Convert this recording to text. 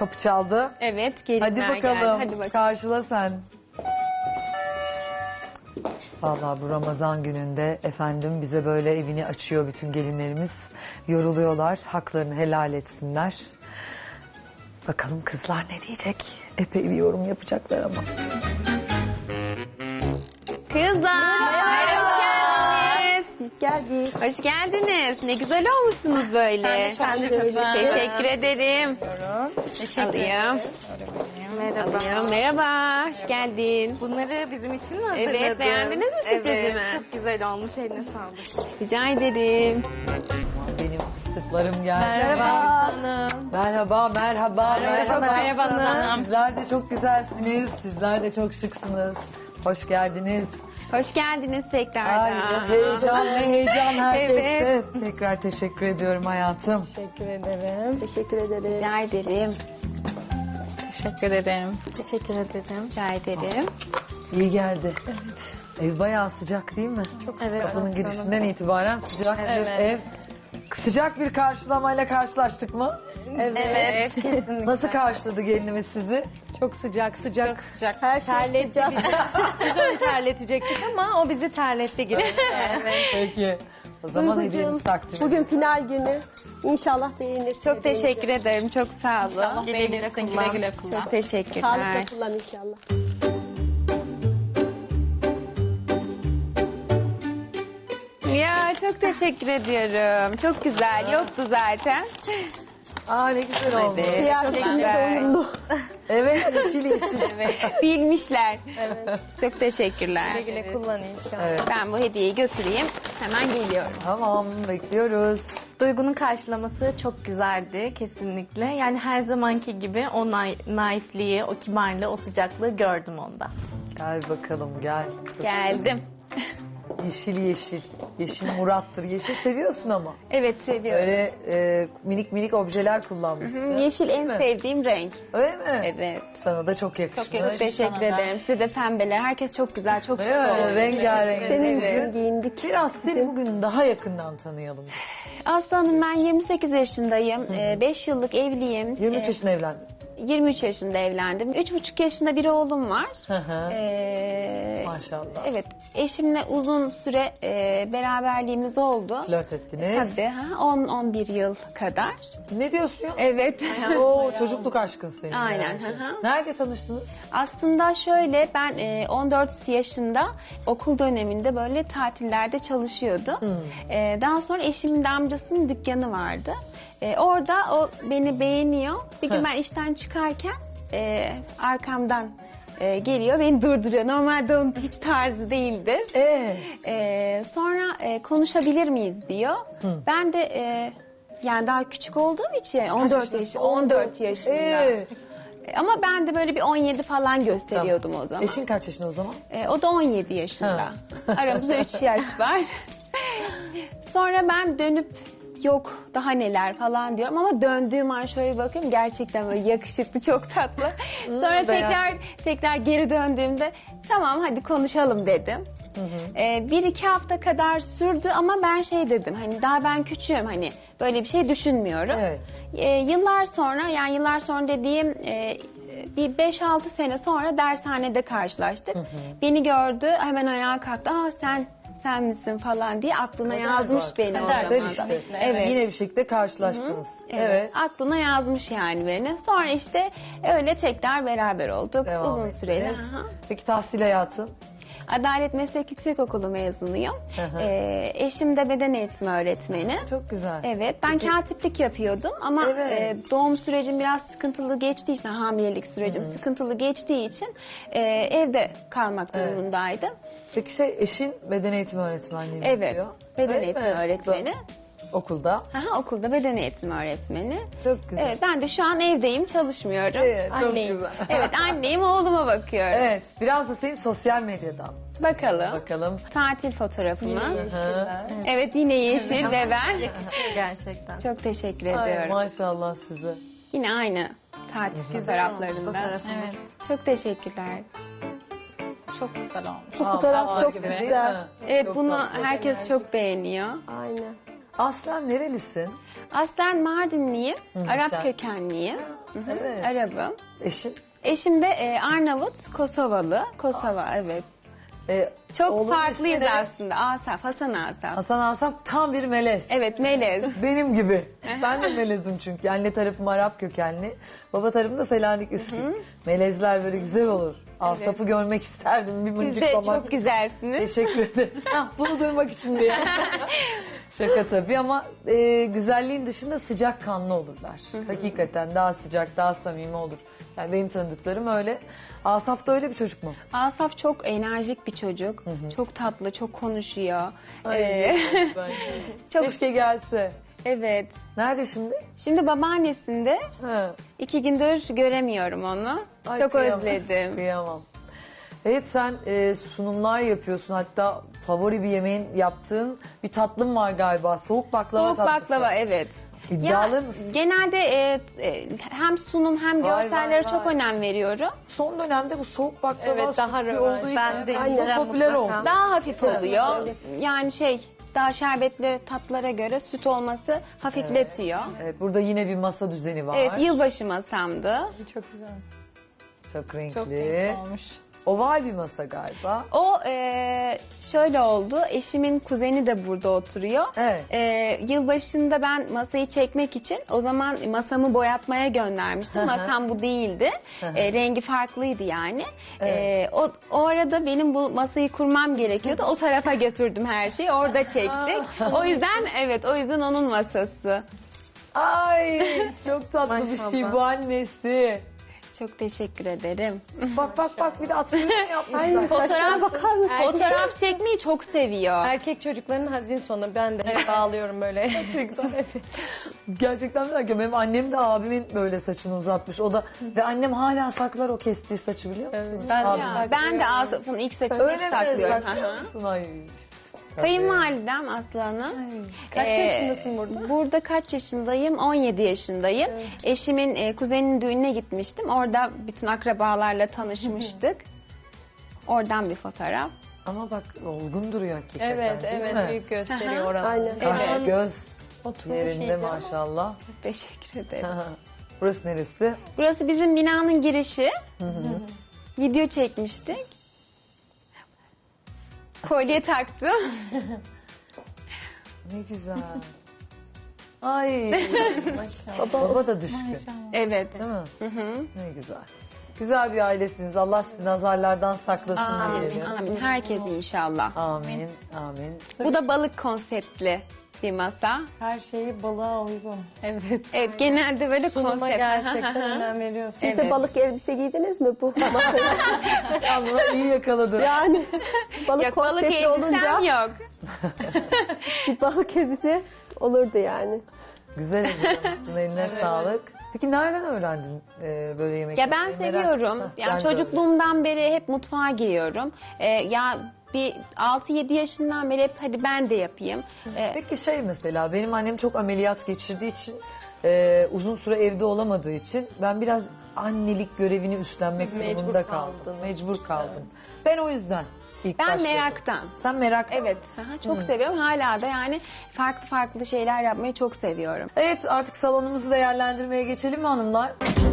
kapı çaldı. Evet, gelinler Hadi bakalım, geldi. Hadi bakalım. karşıla sen. Vallahi bu Ramazan gününde efendim bize böyle evini açıyor bütün gelinlerimiz. Yoruluyorlar, haklarını helal etsinler. Bakalım kızlar ne diyecek? Epey bir yorum yapacaklar ama. Kızlar, hoş geldiniz. Biz geldik. Hoş geldiniz. Ne güzel olmuşsunuz böyle. Sen de öyle. Teşekkür ederim. Alayım. Merhaba. Alayım. Merhaba, hoş geldin. Bunları bizim için mi hazırladın? Evet, beğendiniz mi sürprizimi? Evet, çok güzel olmuş. Eline sağlık. Rica ederim. Benim fıstıklarım geldi. Merhaba. Merhaba, merhaba, merhaba. merhaba. Sizler de çok güzelsiniz, sizler de çok şıksınız. Hoş geldiniz. Hoş geldiniz Ay, tekrardan. ne heyecan, ne heyecan herkeste. Evet. Tekrar teşekkür ediyorum hayatım. Teşekkür ederim. Rica ederim. Teşekkür ederim. Teşekkür ederim. Rica ederim. İyi geldi. Ev bayağı sıcak değil mi? Evet. Kapının girişinden itibaren sıcak bir ev. Sıcak bir karşılamayla karşılaştık mı? Evet, kesinlikle. Nasıl karşıladı gelinimiz sizi? Çok sıcak. Çok sıcak. Her şey sıcak. Biz onu terletecektik ama o bizi terletti gibi. Peki. O zaman Duygucuğum, hediyemizi takdim bugün final günü. İnşallah beğenirsin. Çok teşekkür ederim. Çok sağ olun. Güle güle kullan. Çok teşekkürler. Sağlıkla kullan inşallah. Ya çok teşekkür ediyorum. Çok güzel. Yoktu zaten. Aa ne güzel oldu. Evet. Kıyafetimle de uyumlu. Evet yeşil yeşil. Bilmişler. Çok teşekkürler. Güle güle kullan inşallah. Evet. Ben bu hediyeyi götüreyim. Hemen geliyorum. Tamam bekliyoruz. Duygu'nun karşılaması çok güzeldi kesinlikle. Yani her zamanki gibi o naifliği, o kibarlığı, o sıcaklığı gördüm onda. Gel bakalım gel. Geldim. Yeşil yeşil. Yeşil Murat'tır. Yeşil seviyorsun ama. Evet seviyorum. Öyle minik minik objeler kullanmışsın. Yeşil Değil en mi? sevdiğim renk. Öyle mi? Evet. Sana da çok yakışmış. Çok teşekkür ederim. Size de pembeler. Herkes çok güzel, çok şık Değil mi? oldu. Rengarenk. Senin Evet. için giyindik. Biraz seni bugün daha yakından tanıyalım biz. Aslı Hanım ben 28 yaşındayım. 5 yıllık evliyim. 23 yaşında evlendin. 23 yaşında evlendim. 3,5 yaşında bir oğlum var. Hı hı. Ee, Maşallah. Evet, eşimle uzun süre beraberliğimiz oldu. Flört ettiniz. Tabii, 10-11 yıl kadar. Ne diyorsun ya? Evet. Oo, çocukluk aşkın senin. Aynen, yani. hı hı. Nerede tanıştınız? Aslında şöyle, ben 14 yaşında okul döneminde böyle tatillerde çalışıyordum. Daha sonra eşimin de amcasının dükkanı vardı. Orada o beni beğeniyor. Bir gün ben işten çıkarken arkamdan geliyor, beni durduruyor. Normalde onun hiç tarzı değildir. Sonra konuşabilir miyiz diyor. Ben de yani daha küçük olduğum için 14 yaşında. Ama ben de böyle bir 17 falan gösteriyordum o zaman. Eşin kaç yaşında o zaman? O da 17 yaşında. Aramızda 3 yaş var. Sonra ben dönüp yok daha neler falan diyorum ama döndüğüm an şöyle bakıyorum gerçekten böyle yakışıklı, çok tatlı. Sonra tekrar geri döndüğümde tamam hadi konuşalım dedim. 1-2 hafta kadar sürdü ama ben şey dedim hani daha ben küçüğüm hani böyle bir şey düşünmüyorum. Evet. Yıllar sonra dediğim bir 5-6 sene sonra dershanede karşılaştık. Beni gördü hemen ayağa kalktı. Aa sen misin falan diye aklına yazmış beni o zaman da. İşte. Evet. Yine bir şekilde karşılaştınız. Evet. Aklına yazmış yani beni. Sonra işte öyle tekrar beraber olduk. Devam Uzun ettiniz. süreli. Aha. Peki tahsil hayatın? Adalet Meslek Yüksekokulu mezunuyum. Eşim de beden eğitimi öğretmeni. Çok güzel. Evet, ben katiplik yapıyordum ama Evet. doğum sürecim biraz sıkıntılı geçtiği için, hamilelik sürecim sıkıntılı geçtiği için evde kalmak durumundaydım. Peki eşin beden eğitimi öğretmenliği mi Evet, yapıyor? beden Öyle eğitimi mi? öğretmeni. Okulda. Aha, okulda beden eğitimi öğretmeni. Çok güzel. Evet, ben de şu an evdeyim, çalışmıyorum. Evet, çok Anneyim. güzel. Evet, anneyim, oğluma bakıyorum. Evet, biraz da seni sosyal medyadan. Bakalım. Bakalım. Tatil fotoğrafımız. Yeşiller. Evet, yine yeşil ve ben. Yakışıyor gerçekten. Çok teşekkür Ay, ediyorum. maşallah size. Yine aynı tatil fotoğraflarında. Fotoğrafımız. Çok teşekkürler. Çok güzel olmuş. Bu fotoğraf Aa, çok gibi değil güzel. mi? Evet, Çok bunu tatlı. herkes çok beğeniyor. Aynen. Aslen nerelisin? Aslen Mardinliyim, Arap sen- kökenliyim. Evet. Arabım. Eşin? Eşim de Arnavut, Kosovalı. Kosova, evet. Çok Oğlunun farklıyız ismi ne? aslında. Asaf, Hasan Asaf. Hasan Asaf tam bir melez. Evet, melez. Benim gibi. Ben de melezim çünkü. Anne tarafım Arap kökenli. Baba tarafım da Selanik Üsküp. Melezler böyle güzel olur. Asaf'ı görmek isterdim bir Siz de mıncıklamak. çok güzelsiniz. Teşekkür ederim. Hah, bunu duymak için diye. Şaka tabii ama güzelliğin dışında sıcakkanlı olurlar. Hakikaten daha sıcak, daha samimi olur. Yani benim tanıdıklarım öyle. Asaf da öyle bir çocuk mu? Asaf çok enerjik bir çocuk. Çok tatlı, çok konuşuyor. Ay, ben- Çok Keşke gelse. evet. Nerede şimdi? Şimdi babaannesinde Ha. 2 gündür göremiyorum onu. Ay, Çok kıyamam, özledim. Kıyamam. Evet sen sunumlar yapıyorsun. Hatta favori bir yemeğin yaptığın bir tatlım var galiba. Soğuk baklava Soğuk tatlısı. baklava, evet. İddialı mısın? Genelde hem sunum hem Vay, görsellere vay, çok vay. önem veriyorum. Son dönemde bu soğuk baklava Evet, daha sütlü rövanş. olduğu için Ben de çok yiyeceğim popüler mutlaka. oldu. Daha hafif oluyor. Yani daha şerbetli tatlara göre süt olması hafifletiyor. Evet, burada yine bir masa düzeni var. Evet, yılbaşı masamdı. Çok güzel. Çok renkli. Çok renkli olmuş. Oval bir masa galiba. O şöyle oldu. Eşimin kuzeni de burada oturuyor. Evet. Yılbaşında ben masayı çekmek için o zaman masamı boyatmaya göndermiştim. Masam bu değildi. Rengi farklıydı yani. O arada benim bu masayı kurmam gerekiyordu. O tarafa götürdüm her şeyi. Orada çektik. O yüzden onun masası. Ay çok tatlı bir şey Maşallah. bu annesi. Çok teşekkür ederim. Bak bir de at kuyruğunu yapmışlar. Fotoğraf çekmeyi çok seviyor. Erkek çocukların hazin sonu. Ben de hep ağlıyorum böyle. Gerçekten merak ediyorum. Benim annem de abimin böyle saçını uzatmış. O da ve annem hala saklar o kestiği saçı biliyor musun? Ben Abi. Ben de Asaf'ın ilk saçını Öyle mi saklıyorum. saklıyor musun? Ay. Kayınvalidem Aslı Hanım. Kaç Ee, yaşındasın burada? Burada kaç yaşındayım? 17 yaşındayım. Eşimin kuzeninin düğününe gitmiştim. Orada bütün akrabalarla tanışmıştık. Oradan bir fotoğraf. Ama bak olgun duruyor hakikaten. Evet, değil evet. mi? Büyük gösteriyor oranı. Aynen. Kaş, Evet. göz Oturmuş yerinde iyice ama. maşallah. Teşekkür ederim. Burası neresi? Burası bizim binanın girişi. Video çekmiştik. Kolye taktım. Ne güzel. Ay. Baba da düşkün. Evet. Değil mi? Ne güzel. Güzel bir ailesiniz. Allah sizi nazarlardan saklasın Amin. diyelim. Amin. Herkes inşallah. Amin. Amin. Bu da balık konseptli bir masa. Her şeyi balığa uygun. Evet. Evet, genelde böyle Sunuma konsept. gerçekten önem veriyorsun. Siz de balık elbise giydiniz mi bu masaya? Ama iyi yakaladı. Yani balık Yok, balık konseptli olunca elbisem yok. bir balık elbise olurdu yani. Güzel hazırlamışsın. Eline sağlık. Peki nereden öğrendin böyle yemek Ya ben yapmayı? Merak- seviyorum. Heh, Yani ben de öyle. çocukluğumdan beri hep mutfağa giriyorum. Ya bir 6-7 yaşından beri hep hadi ben de yapayım. Peki mesela benim annem çok ameliyat geçirdiği için uzun süre evde olamadığı için ben biraz annelik görevini üstlenmek durumunda kaldım. Mecbur kaldım. Ben o yüzden ilk Ben başladım. meraktan. Sen merak. Evet, çok seviyorum. Hala da yani farklı farklı şeyler yapmayı çok seviyorum. Evet artık salonumuzu değerlendirmeye geçelim mi hanımlar?